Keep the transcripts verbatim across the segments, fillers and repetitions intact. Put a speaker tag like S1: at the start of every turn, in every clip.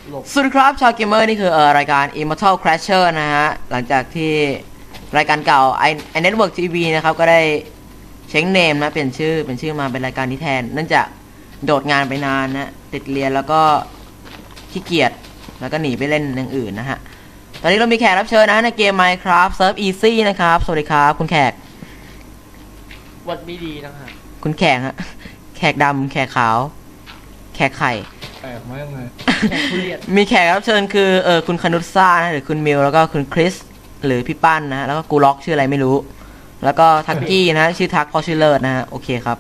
S1: สวัสดีครับชาวเกมเมอร์นี่คือเอ่อรายการ Immortal Crasher นะฮะหลังจากที่รายการเก่า i i Network ที วี นะครับก็ได้เช็งเนมนะเปลี่ยนชื่อเป็นชื่อมาเป็นรายการนี้แทนเนื่องจากโดดงานไปนานนะติดเรียนแล้วก็ขี้เกียจแล้วก็หนีไปเล่นอย่างอื่นนะฮะตอนนี้เรามีแขกรับเชิญนะในเกม Minecraft Surf Easy นะครับสวัสดีครับคุณแขก
S2: วัดไม่ดีนะฮะ
S1: คุณแขกฮะแขกดำแขกขาวแขกไข่
S3: แปลกมากเลย
S1: มีแขกรับเชิญคือเออคุณคนุษซ่านะหรือคุณมิวแล้วก็คุณคริสหรือพี่ปั้นนะแล้วก็กูล็อกชื่ออะไรไม่รู้แล้วก็ทักกี้นะชื่อทักพอชื่อเลิศนะฮะโอเคครับ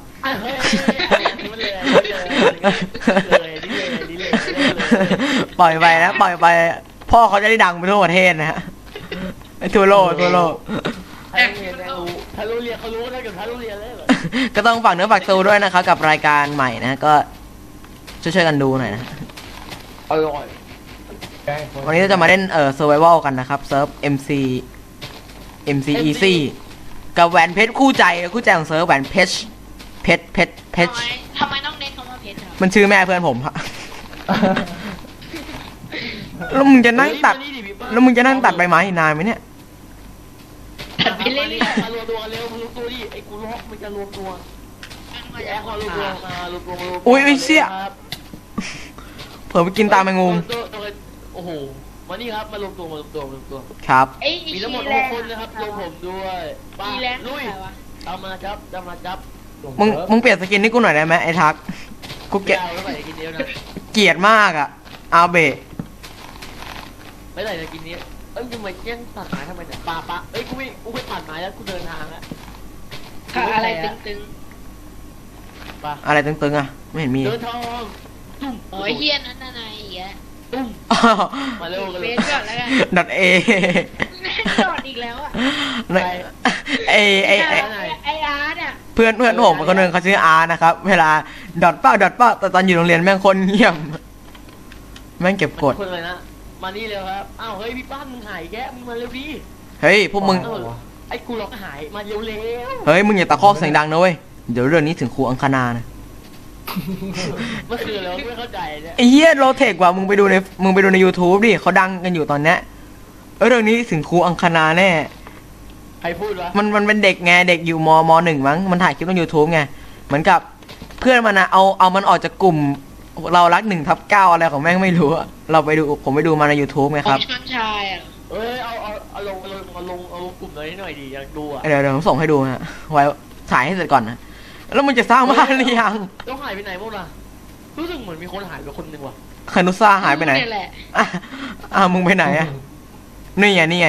S1: ปล่อยไปนะปล่อยไปพ่อเขาจะได้ดังไปทั่วประเทศนะฮะทั่วโลกทั่วโลก
S2: ถ้ารู้เรียนเขารู้นะกับถ้ารู้เรียนเลยเหรอ
S1: ก็ต้องฝากเนื้อฝากตัวด้วยนะครับกับรายการใหม่นะก็ช่วยๆกันดูหน่อยนะ
S2: อร่อย
S1: วันนี้เราจะมาเล่นเอ่อ survival กันนะครับเซิร์ฟ เอ็ม ซี เอ็ม ซี Easy กับแหวนเพชรคู่ใจคู่ใจของเซิร์ฟแหวนเพชรเพชรเพชรเพชร
S4: ทำไมต้องเน้นคำว่าเพชรครับ
S1: มันชื่อแม่เพื่อนผมฮะแล้วมึงจะนั่งตัดแล้วมึงจะนั่งตัดใบไม้นานไหมเนี่ย
S4: ตัดไปเรื่อย
S2: ๆมารวมตัวเร็วมารวมตัวดิไอ้กูล็อกมันจะรวมตัวแอร์รวมตัวมารวมตัวมารวมตัว
S1: อุ้ยไอ้เชี่ยเผื่อไปกินตามแมงมุม
S2: โอ้โหมานี่ครับมารวมตัวมารวมตัวมารวมตัว
S1: ครับ
S2: มีทั้งหมดหกคนนะครับรวมผมด้วยป้าลุยตามมาจับตามมาจับ
S1: มึงมึงเปลี่ยนสกินให้กูหน่อยได้ไหมไอ้ทักกูเกลียดเกลียดมากอ่ะอาเบะ
S2: ไม่ได้สกินนี้เอ้ยทำไมแย่งตัดไม้ทำไมเนี่ยป่าป่าเอ้ยกูไม่กูไม่ตัดไม้แล้วกูเดินทางแล้ว
S4: อะไรตึง
S2: ๆป่า
S1: อะไรตึงๆอ่ะไม่เห็นมี
S2: เดินทางตุ้ม
S4: โอ้ยเฮียนั่นนายอีกแล้ว
S2: ตุ้มมาเร็วกันเลย
S4: ก่อนแล้วกัน
S1: ดอทเอ
S4: ดอทอีกแล้วอ่ะ
S1: ไอไอไอ
S4: ไออาร์ตอ่ะ
S1: เพื่อนเพื่อนผมคนนึงเขาชื่ออาร์นะครับเวลาดอทเป้าดอทเป้าแต่ตอนอยู่โรงเรียนแม่งคนเงียบแม่งเก็บกด
S2: คนเลยนะมานี่เร็วครับอ้าวเฮ้ยพี่ป้านมึงหายแกมึงมาเร็วดิ
S1: เฮ้ยพวกมึง
S2: ไอ้กูล็อกหายมาเร็วเร็ว
S1: เฮ้ยมึงอย่าตะคอกเสียงดังนะเว้ยเดี๋ยวเรื่องนี้ถึงครูอังคณานะ
S2: เมื่อคืนแล้วไม่เข้าใจเนี่ย
S1: ไอ้เหี้ยโลเทคว่ะมึงไปดูในมึงไปดูใน YouTube ดิเขาดังกันอยู่ตอนเนี้ยเออเรื่องนี้ถึงครูอังคณาแน่
S2: ใครพูดวะ
S1: มันมันเป็นเด็กไงเด็กอยู่มมหนึ่งมั้งมันถ่ายคลิปลง YouTube ไงเหมือนกับเพื่อนมันนะเอาเอามันออกจากกลุ่มเรารักหนึ่งทับเก้าอะไรของแม่งไม่รู้อะเราไปดูผมไปดูมาใน YouTube ไงครับ
S4: ชนชายอ่ะ
S2: เอ้ยเอาเอาเอาลงเอาลงเอาลงเอาลงกลุ่มเลยหน่อยดิอยากดูอ่ะ
S1: เดี๋ยวเดี๋ยวผมส่งให้ดูฮะไว้ถ่ายให้เสร็จก่อนนะแล้วมึงจะสร้างบ้านหรือยัง
S2: ต้องหายไปไหนพวกน่ะรู้สึกเหมือนมีคนหายไปคนนึงว่ะ
S1: คานุซ่าหายไปไหนอ่ะอ่ะมึงไปไหนอ่ะนี่ไงนี่ไง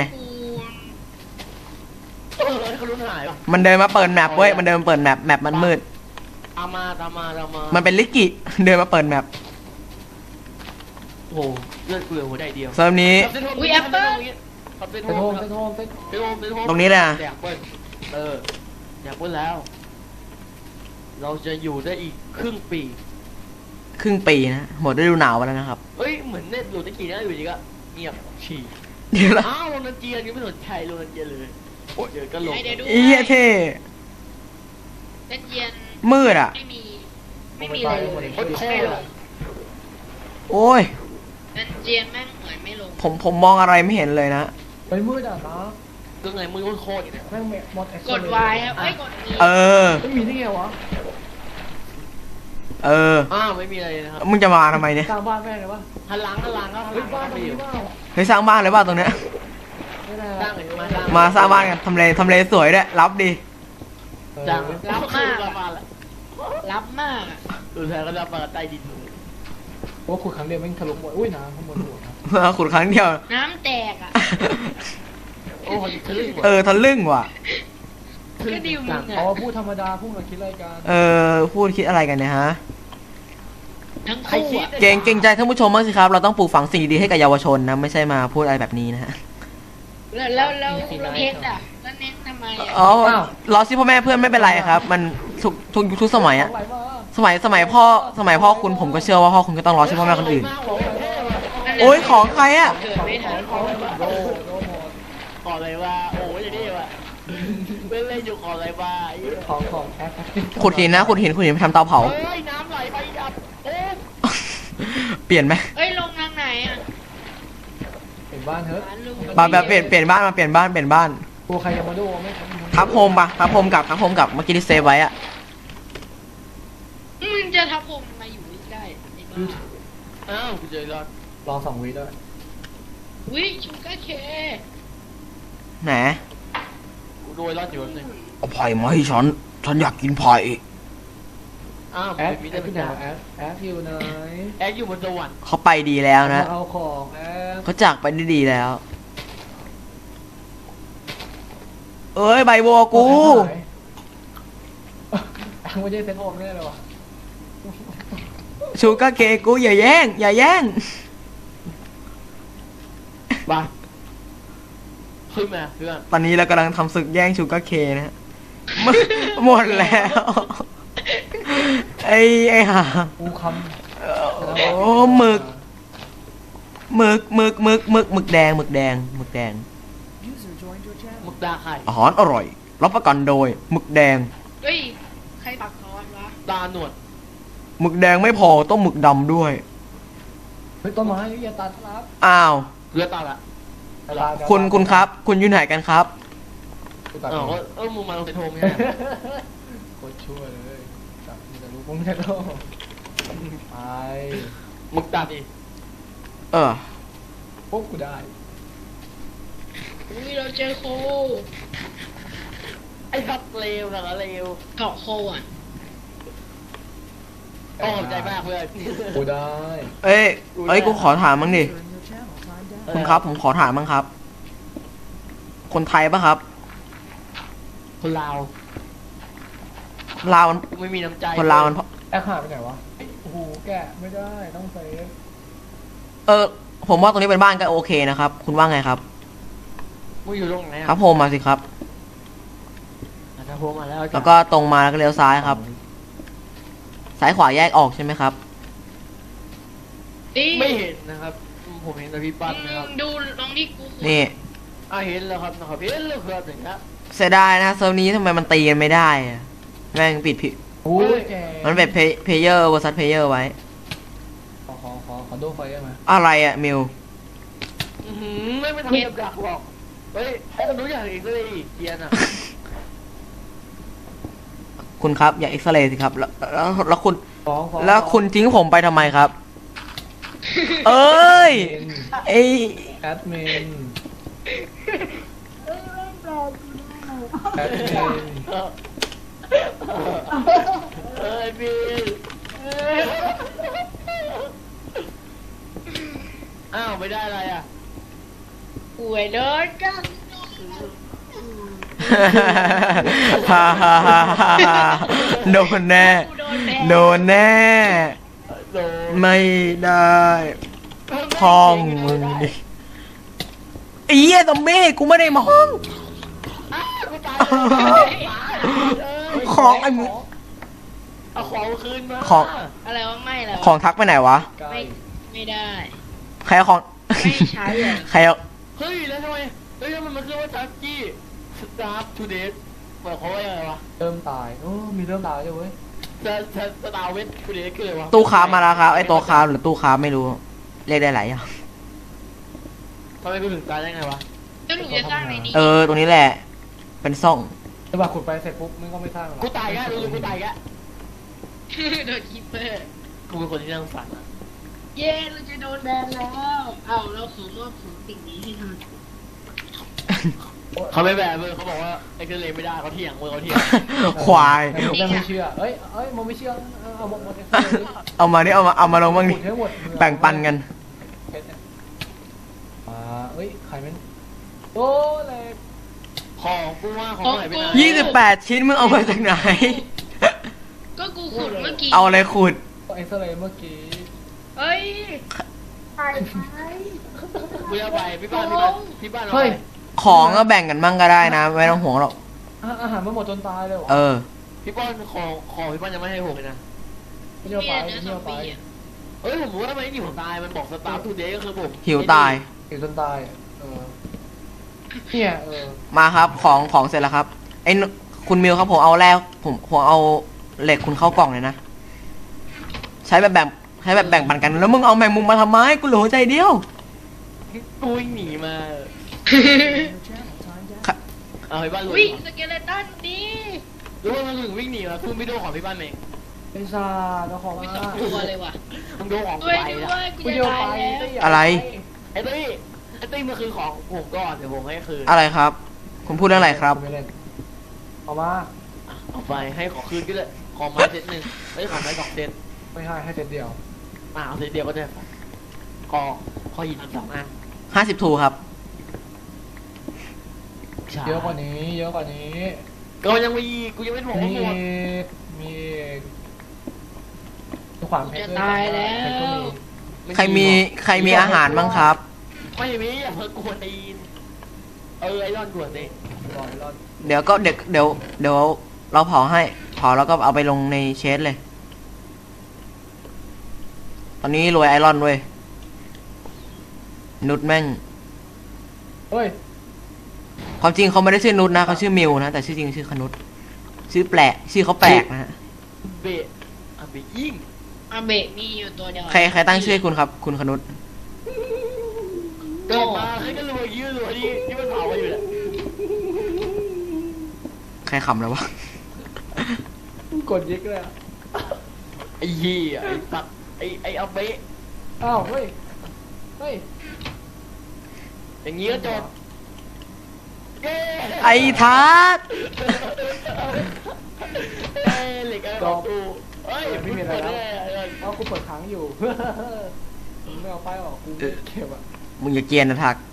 S2: เออเขารู้หายป่ะ
S1: มันเดินมาเปิดแมปเว้ยมันเดินเปิดแมปแมปมันมืด
S2: ตามมาตามมาตามมา
S1: มันเป็นลิกิเดินมาเปิดแมป
S2: โอ้โหเลือดเกลือหัวใจเดียว
S1: เซิร์ฟนี้
S4: อุ้ยแอปเปิ้ล
S2: ไปโทมไปโทมไปโทมไปโทม
S1: ตรงนี้นะ
S2: อยากเปิ้ลเอออยากเปิ้ลแล้วเราจะอยู่ได้อีกครึ่งปี
S1: ครึ่งปีนะหมดฤดูหนาวไปแล้วนะครับ
S2: เอ้ยเหมือนเน็ตอยู่ตะกี้นะอยู่ดีก็เงียบฉี่
S1: เดี๋ยวละ
S2: อ้าวโรนันเจียนยังไม่สนใจโรนันเจียนเลยโอ้ยเดี๋ยวก็ลง
S1: อีเท่
S4: เล่นเย็น
S1: มืดอ่ะ
S4: ไม่มีไม่มีอะไรเลย
S2: โคตรโคตร
S1: โอ้ย
S4: เล่นเย็นแม่งเหมือนไม่ลง
S1: ผมผมมองอะไรไม่เห็นเลยนะ
S3: ไปมืดอ่ะนะ
S2: ก็ไงมือโคตรเนี่ย
S3: แม่งมอด
S4: กดวายครับไม่กด
S1: เออ
S3: ไม่มีได้ไงวะ
S1: เออ
S2: อ้าวไม่มีอะไรนะครับ
S1: มึงจะมาทำไมเนี่ย
S3: สร้างบ้านแม่เลยวะ
S2: หันหลังหันหลังก็หันหลังบ้านอยู่
S1: เฮ้ยสร้างบ้านเลยบ้านตรงเนี้ย
S2: สร้างเลยมาสร้าง
S1: มาสร้างบ้านกันทำเลทำเลสวยด้วยรับดี
S2: จังรับมาก
S4: รับมาก
S2: ดูแท้ก็รับมาใต้ดิน
S3: ว่าขุดครั้งเดียวแม่งทะลุหมดอุ้ยน้ำข้างบนหัว
S1: ขุดครั้งเดียว
S4: น้ำแตกอ่ะ
S2: โอ้ยทะลึ่ง
S1: เออทะลึ่งว่ะ
S4: ก็ดิวมึงอ่ะ
S3: อ๋อพูดธรรมดาพูดมาคิดอะไรกัน
S1: เออพูดคิดอะไรกันเนี่ยฮะ
S4: ทั้งคู่
S1: เก่งเก่งใจท่านผู้ชมมากสิครับเราต้องปลูกฝังสิ่งดีให้กับเยาวชนนะไม่ใช่มาพูดอะไรแบบนี้นะฮะ
S4: แล้วแล้วแล้วเพชรอ่ะแล้วเน้นทำไมอ่ะ
S1: อ๋อล้อซิพ่อแม่เพื่อนไม่เป็นไรครับมันทุกทุกทุกสมัยอะสมัยสมัยพ่อสมัยพ่อคุณผมก็เชื่อว่าพ่อคุณก็ต้องล้อซิพ่อแม่คนอื่นโอ้ยของใครอะ
S2: ขออะไรวะโอ้ยอย่างนี้วะเล่นเล่นอยู่ขออะไรวะ
S3: ของของแอป
S1: ขุดหินนะขุดหินขุดหินทำเตาเผา
S2: เฮ้ยน้ำไหลไปดับโอ้
S1: เปลี่ยนไหม
S4: เฮ้ยลงทางไหนอ่ะ
S3: อยู่บ้านเถอะ
S1: มาแบบเปลี่ยนเปลี่ยนบ้านมาเปลี่ยนบ้านเปลี่ยนบ้าน
S3: กลัวใครจะมาดูไหมครับ
S1: ทับโฮมปะทับโฮมกลับทับโฮมกลับเมื่อกี้ที่เซฟไว้อะ
S4: มึงจะทับผมมาอยู่ใกล้ไอ้บ้า
S2: อ้าวกูเจอรอด
S3: รอสองวิด้วย
S4: วิชูการ์เค
S1: ไหน
S2: กูโดยรอดอยู่นึง
S1: เอาไผ่มาให้ฉันฉันอยากกินไผ่
S2: อ้าว
S3: แอด
S2: มี
S3: แอ
S2: ได้
S3: ด
S2: เป็
S3: ที่
S2: น
S3: ไหน
S2: ดาว
S3: แอดแอดอยู่ไหน
S2: แอดอยู่บนสวรรค์
S1: เขาไปดีแล้วนะ
S3: มาเอาของแอด
S1: เขาจากไปได้ดีแล้ว เอ้ยใบบัวกู
S3: แอดไม่ใช่เซนโอมแน่เลยวะ
S1: ชูกาเกะกูอย่าแย่ง อย่าแย่ง
S2: บ้าขึ้นมาเพื่อน
S1: ตอนนี้เรากำลังทำศึกแย่งชูกาเคนะฮะ หมดหมดแล้ว ไอ้ไอ้ห่า
S3: กูค
S1: โอ้หมึกหมึกหมึกหมึกหมึกหมึกแดงหมึกแดงหมึกแดง
S2: มึกดาไข่
S1: อาหารอร่อย รับประกันโดยหมึกแดง
S4: เฮ้ยใครปักทอนวะ
S2: ตาหนวด
S1: หมึกแดงไม่พอต้องหมึกดำด้วย
S3: ำเฮ้ยต้นไม้อย่าตัดครับ
S1: อ้าว
S2: เรือตาละ
S1: คุณคุณครับ คุณอยู่ไหนกันครับ
S3: กูตัด
S2: เออ
S3: เอง
S2: เออมึงมาลงไปโทรมไง
S3: โคตรชั่วเลยจับมีแต่ลูกมึงไม่ใช่โลกไป
S2: มึกตาดิ
S1: เออ
S3: ปุ๊บกูได้
S4: อุ้ยเราเจอโค
S2: ไอ้สัตว์เลวนะเลว
S4: เกาะโคอ่ะ
S2: ต้องขอบใจมากเพื่อน
S3: กูได้
S1: เอ้ยเอ้ยกูขอถามมั้งดิคุณครับ ผมขอถามมั้งครับ คนไทยปะครับ
S2: คนลาว
S1: ลาวมัน
S2: กูไม่มีน้ำใจ
S1: คนลาวมัน
S3: แอคหายไปไหนวะโอ้โหแกะไม่ได้ต้องเซฟ
S1: เออ ผมว่าตรงนี้เป็นบ้านก็โอเคนะครับ คุณว่าไงครับ
S2: มึงอยู่ตรงไหน
S1: ครับผมมาสิครับ
S2: ถ้าพวมาแล้ว
S1: แล้วก็ตรงมาแล้วก็เลี้ยวซ้ายครับ ซ้ายขวาแยกออกใช่ไหมครับ
S4: ดิ
S2: ไม่เห็นนะครับ ผมเห็นแต่พี่ปั้นนะครับ
S4: ดูลองที่กูขุด
S1: นี่
S2: อ่าเห็นแล้วครับนะครับเห็นแล้วครับอย่างเงี้ย
S1: เสียดายนะเซิร์ฟนี้ทำไมมันตีกันไม่ได้อะแม่งปิดผิด
S3: โอ้ยแก
S1: มันเป็นเพย์เยอร์วอร์ซัสเพย์เยอร์ไว้
S3: ขอขอขอขอดูไฟได้ไหม
S1: อะไรอะมิว
S2: อือหือไม่ไม่ทำกับดักหรอกเฮ้ยไอ้คนรู้อย่างอีกเลยเกียร์น่ะ
S1: คุณครับอย่าเอ็กซเรย์สิครับแล้วแล้วแล้วคุณ
S3: ฟ้องฟ้อง
S1: แล้วคุณทิ้งผมไปทำไมครับ เอ้ยไอ
S3: แอดมินแอดมิน
S2: เออเอ้ยพี่อ้าวไม่ได้อะไรอ่ะ
S4: ป่วยเดินกัน
S1: ฮ่าฮ่าฮ่าฮ่าโดนแน่
S4: กูโดนแบน
S1: โดนแน่
S2: โดน
S1: ไม่ได้พองมึงดิไอ้เหี้ยซอมบี้กูไม่ได้มอง
S2: อ้าวกูตายเลย
S1: ของไอ้มึง
S2: เอาของคืนมา
S1: ของ
S4: อะไรวะไม่แล้ว
S1: ของทักไปไหนวะ
S3: ใกล้
S4: ไม่ไม่ได้
S1: ใครเอาของ
S4: ไม่ใช้อะ
S1: ใครเอา
S2: เฮ้ยแล้วทำไมเฮ้ยมันมันคือว่าทักกี้สตาร์ฟทูเดย์หมายความว่าอะไรวะ
S3: เริ่มตายโอ้มีเริ่มตายด้วยเว้ย
S2: สสสตาร์เวททูเดย์คืออะไรวะ
S1: ตู้ค้ามาแล้วครับไอ้ตัวค้าหรือตู้ค้าไม่รู้ เรียกได้หลายอย่าง
S2: ทำไมกูถึงตายได้ไงวะ
S4: แล้วหนูจะสร้างในนี้
S1: เออตรงนี้แหละ เป็นซ่อง
S3: แต่ว่าขุดไปเสร็จปุ๊บมันก็ไม่สร้างหรอก
S2: กูตายแกรู้สึกกูตายแก
S4: โดนคีเปอร์
S2: กูเป็นคนที่น่าสงสารนะ
S4: เย้เราจะโดนแบนแล้วเอาเราขอมอบของสิ่งนี้ให้ท่าน
S2: เขาไม่แบบเลยเขาบอกว่าไอ้เกเรไม่ได้เขาเถียงมือเขาเถียง
S1: ควาย
S3: แต่ผมยังไม่เชื่อเอ้ยเอ้ยมันไม่เชื่อเอาเอาหมดหมด
S1: เอามาดิเอามาเอามาลงบ้างดิ
S3: ขุดให้หมด
S1: แบ่งปันกัน
S3: เพชรเนี่ยอ่าเอ้ยใครมันโอ้เลย
S2: ของกูว่าของไหนไปไหน
S1: ยี่สิบแปดชิ้นมึงเอามาจากไหน
S4: ก็กูขุดเมื่อกี้
S1: เอาอะไรขุด
S3: เอ็กซเรย์เมื่อกี้
S4: เฮ้ยไปไป
S2: กูจะไปพี่บ้านพี่บ้านพี่บ้านเอา
S3: เฮ้
S2: ไป
S3: ย
S1: ของก็แบ่งกันบ้างก็ได้นะ ไม่ต้องห่วงหรอก
S3: อาอาหารมันหมดจนตายเลยเหรอ
S1: เออ
S2: พี่บ้านของของพี่บ้านยังไม่ให้ผมเลยนะ
S3: ไม่เชื่อไป
S4: เนื้
S3: ไม่
S4: อซ
S3: เชื่
S4: อ
S3: อ
S4: ม
S3: ไป
S4: บี้อะ
S2: เฮ้ยผมรู้ว่าทำไมหิวตายมันบอกสตาร์ทูเดย์ก็คือผม
S1: หิวตาย
S3: อยู่จนตายเออเนี่ยเออ
S1: มาครับของของเสร็จแล้วครับไอ้นคุณมิวครับผมเอาแรกผมผมเอาเหล็กคุณเข้ากล่องเลยนะ ใช้แบบแบ่งใช้แบบแบ่งปันกันแล้วมึงเอาแมงมุมมาทำไมกูเหลือหัวใจเดียว
S2: กูวิ่งหนีมาเอาไปบ้านลุย
S4: วิ่งสเกเลตันดี
S2: รู้ว่ามันถึงวิ่งหนีมากูไม่โดนของพี่บ้านเอง
S3: ไอ้ซาเราของ
S4: ไม่
S3: มา
S4: สองตัวเลยว่ะ
S2: มึงโดนของ
S4: ด้
S2: ไป
S4: วยด้
S2: นะ
S4: วยกู
S3: กู
S4: จะ
S3: เดียว
S4: ตาย
S3: ไป
S4: แล้ว
S1: อะไร
S2: ไอ้ตี้ไอ้ตี้มันคือของผมก่อนเดี๋ยวผมให้คืน
S1: อะไรครับ คุณพูดเรื่องอะไรครับ
S3: ไม่เล่นเอามา
S2: เอาไปให้ขอคืนก็ได้ขอไม้เซตหนึ่งไม่ขอไม้สองเซต
S3: ไม่ให้ให้เจ็ดเดียว
S2: อ่าเอาเซตเดียวก็ได้ขอขอหินสองอัน
S1: ห้าสิบทูครับ
S2: ใช่
S3: เยอะกว่านี้ เยอะกว่านี้
S2: ก็ยังมีกูยังไม่บอก
S3: มี
S2: ว่าหมด
S3: มีขวานเพชร
S4: จะตายแล้ว
S3: เพชรก็มี
S1: ใครมีใครมีอาหารบ้างครับ
S2: ไม่มีอย่าเพิ่งกวนตีนเออไอรอนกวนตีน
S3: รอดรอด
S1: เดี๋ยวก็เดี๋ยวเดี๋ยวเดี๋ยวเราเผาให้เผาแล้วก็เอาไปลงในเชสเลย ตอนนี้รวยไอรอนเว้ยนุชแม่ง
S3: เฮ้ย
S1: ความจริงเขาไม่ได้ชื่อนุชนะเขาชื่อมิวนะแต่ชื่อจริงชื่อคนุชชื่อแปลกชื่อเขาแปลกนะฮะ
S2: เบะอ่ะเบะยิ่ง
S4: อาเบะมีอยู่ตัวเดียว
S1: ใครใครตั้งชื่อให้คุณครับ คุณคนุช
S2: เกิดมาใครก็รวยยืดรวยที่ที่มันเผาไปอยู่แหละ
S1: ใครขำแล้ววะ
S3: กดยิกเลยอะ
S2: ไอ้เหี้ยไอ้ตัดไอ้ไอ้เอาเบะ
S3: อ้าว เฮ้ย เฮ้ย
S2: อย่างงี้ก็จบเย้
S1: ไอ้ทัศน์
S2: เอ้ยเหล็กอะไรของกูเอ้ย
S3: ไม่มีอะไรแล้ว
S2: เปิดได้
S3: เอากูเปิดค้างอยู่ มึงไม่เอาป้ายออกกูไม่เก็บอ่ะ
S1: มึงอย่าเกรียนนะทัก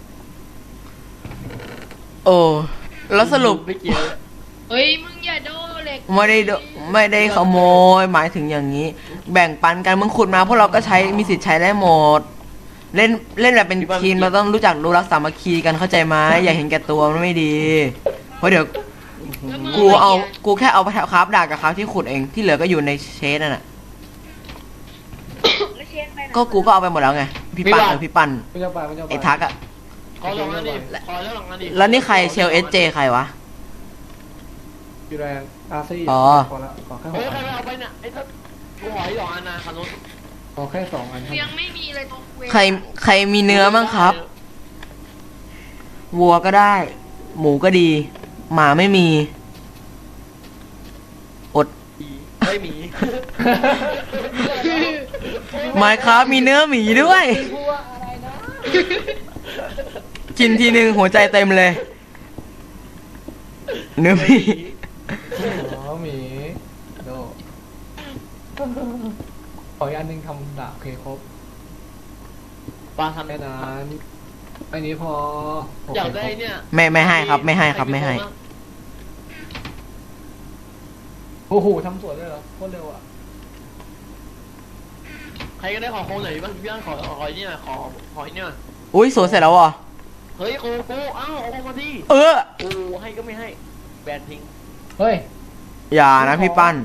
S1: โอ้แล้วสรุป
S2: ไม่เกี่ยว
S4: เฮ้ยมึงอย่าโดนเหล็ก
S1: ไม่ได้โดไม่ได้ขโมยหมายถึงอย่างนี้ แบ่งปันกันมึงขุดมาพวกเราก็ใช้มีสิทธิ์ใช้ได้หมด เล่นเล่นแบบเป็นทีมเราต้องรู้จักรู้รักสามัคคีกันเข้าใจไหมอย่าเห็นแก่ตัวมันไม่ดี เพราะเดี๋ยว
S4: แล้วมึง
S1: กูเอากูแค่เอาไปคราฟดาบกับคราฟที่ขุดเองที่เหลือก็อยู่ในเชสนั่นแหะ
S4: แล้วเชนไปไหน
S1: ก็กูก็เอาไปหมดแล้วไงพี่ปั้นเออพี่ปั้น
S3: มันจะไปมันจะไป
S1: ไอ้ทักอะ
S2: ขอลองนั่นดิขอแล้วลองนั่นดิ
S1: แล้วนี่ใครเชลเอสเจใครวะ
S3: อยู่แรงอาซี่
S1: อ๋อ
S3: ขอละขอแค่ห
S2: เฮ้ย
S3: ก
S2: ใคร
S3: อัน
S2: ไปเอาไปน่ะไอ้ทัศกูหอยหยองอันนะคันนู้น
S3: ขอแค่สองอัน
S4: ยังไม่มีเลยตรงเว
S1: ใครใครมีเนื้อบ้างครับ วัวก็ได้ หมูก็ดี หมาไม่มี อด
S2: ไม่มี
S1: ไมค์ครับมีเนื้อหมีด้วย
S3: พูดว่าอะไรนะ
S1: กินทีหนึ่งหัวใจเต็มเลย เนื้อหมี
S3: อ๋อหมีโดขออีกอันหนึงทำดาบโอเคครบ
S2: ปลาทำ
S3: แค่นั้นอันนี้พอโเค
S2: อยากได้เนี่ย
S1: ไม่ไม่ให้ครับ ไม่ให้ครับไม่ให้
S3: โอ้โหทำสวนเลยเหรอโคตรเร็วอ่ะ
S2: ใครก็ได้ขอโค้งหน่อยบ้างพี่บ้านขอขอเนี่ยขอขอเนี่ย
S1: อุ้ยสวยเสร็จแล้วอ่ะ
S2: เฮ้ยโค้กูอ้าวเอามาที่
S1: เออ
S2: กูให้ก็ไม่ให้แบนทิ้ง
S3: เฮ้ย
S1: อย่านะพี่ปั้น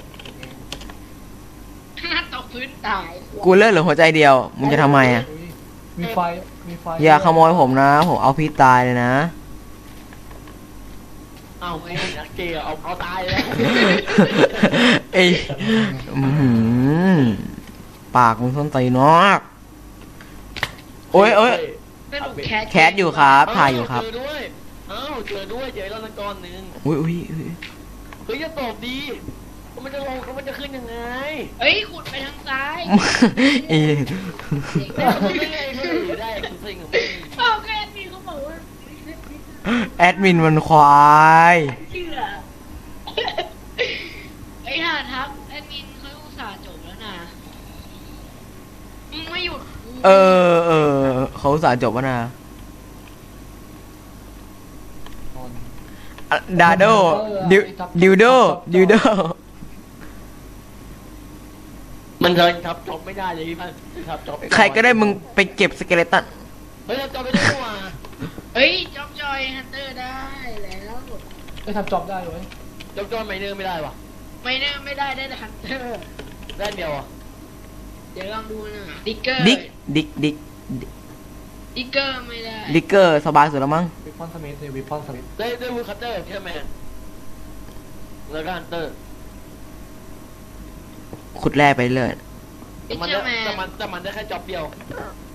S4: ตกพื้นตาย
S1: กูเลิกเหลือหัวใจเดียว มึงจะทำไมอ่ะ
S3: อุ๊ยมีไฟมีไฟ
S1: อย่าขโมยผมนะ ผมเอาพี่ตายเลยนะ
S2: อ้าวไม่นักเกย์เอาเอาตายแล้ว
S1: เอ้ยอื้อหือปากมึงส้นตีนมากโอ้ยโอ้ย
S4: สรุปแคท
S1: แคสอยู่ครับ ถ่ายอยู่ครับ
S2: เจอด้วยอ้าวเจอด้วยเจอแล้วนักกรหนึ่ง
S1: อุ้ยอุ้ยอุ้ย
S2: เฮ้ยจะตอบดีมันจะลงมันจะขึ้นยังไง
S4: เฮ้ยขุดไปทางซ้าย
S1: เอ้ย
S2: ได้ไม่ได้ไม่ได้คุณซิงของมึง
S4: เอาแค่มีเขาบอกว่า
S1: แอดมินมันควาย
S4: เชื่อไอ้ห่าทับแอดมินเขาอุตส่าห์จบแล้วนะมึงไม่หยุด
S1: เออเออเขาอุตสาห์จบวะนะดาโดดิวดิวโดดิวโด
S2: มันเทินครับจบไม่ได้เลยพี่พันครับจบ
S1: ใครก็ได้มึงไปเก็บสเกเลตัน
S2: เฮ้ยจบไม่ได้ว่ะ
S4: เฮ้ยจ็อบจอยฮันเตอร์ได้แล้ว
S3: ไม่ทำจ็อบได้เลย
S2: จบจอยไม่เนื้อไม่ได้ว่ะ
S4: ไม่แน่ไม่ได้ได้แต่ฮันเตอร์
S2: ได้เดียวอ่ะ
S4: เดี๋ยวลองดูนะดิกเกอร์
S1: ดิกดิกดิก
S4: ดิกเกอร์ไม่ได้
S1: ดิกเกอร์สบายสุดแล้วมั้ง
S3: วิปอนสมิธเลยวิปอนสมิธ
S2: ได้ได้วูคัตเตอร์ใช่ไหมแล้วก็ฮันเตอร์
S1: ขุดแร่ไปเลย
S4: ดิ
S2: แต่
S4: ก
S2: มัน
S4: เกอ
S2: ได้
S4: ร์แม
S2: แต่
S4: น
S2: มันแต่มันได้แค่จ็อบเดียว